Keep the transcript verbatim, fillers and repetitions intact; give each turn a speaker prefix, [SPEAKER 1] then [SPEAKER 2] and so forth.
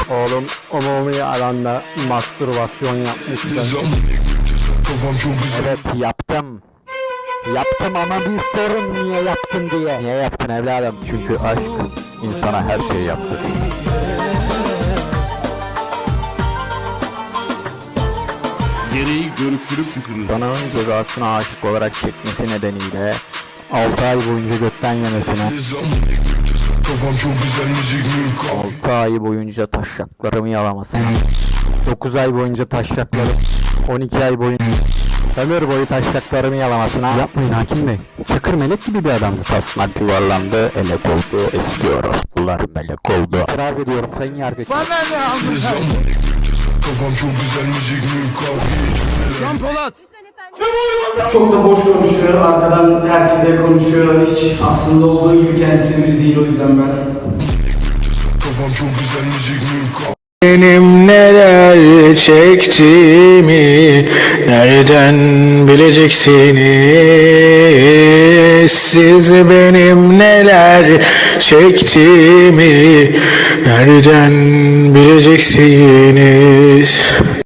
[SPEAKER 1] Oğlum umumi alanda mastürbasyon yapmıştı. Evet yaptım. Yaptım ama bir sorun niye yaptın diye. Niye yaptın evladım?
[SPEAKER 2] Çünkü aşk insana her şeyi yaptırır.
[SPEAKER 3] Gereği görüşürüp düşünün.
[SPEAKER 1] Sanığın cezasına aşık olarak çekmesi nedeniyle altı ay boyunca götten yemesine, altı ay boyunca taşaklarımı yalamasına, dokuz ay boyunca taşaklarım, on iki ay boyunca ömür boyu taşaklarımı yalamasına. Yapmayın hakim bey. Çakır melek gibi bir adamdı.
[SPEAKER 2] Tasnak yuvarlandı, elek oldu, eski orospular melek oldu.
[SPEAKER 1] İtiraz ediyorum sayın yargıç.
[SPEAKER 4] Bana ne aldın?
[SPEAKER 5] Kafam çok güzel müzik mi kahve.
[SPEAKER 4] Can Polat.
[SPEAKER 6] Çok da boş konuşuyor, arkadan herkese konuşuyor. Hiç aslında olduğu gibi kendisi biri değil, o yüzden ben.
[SPEAKER 5] Kafam çok güzel müzik mi kahve.
[SPEAKER 7] Benim neler çektiğimi nereden bileceksiniz? Siz benim neler çektiğimi nereden bileceksiniz?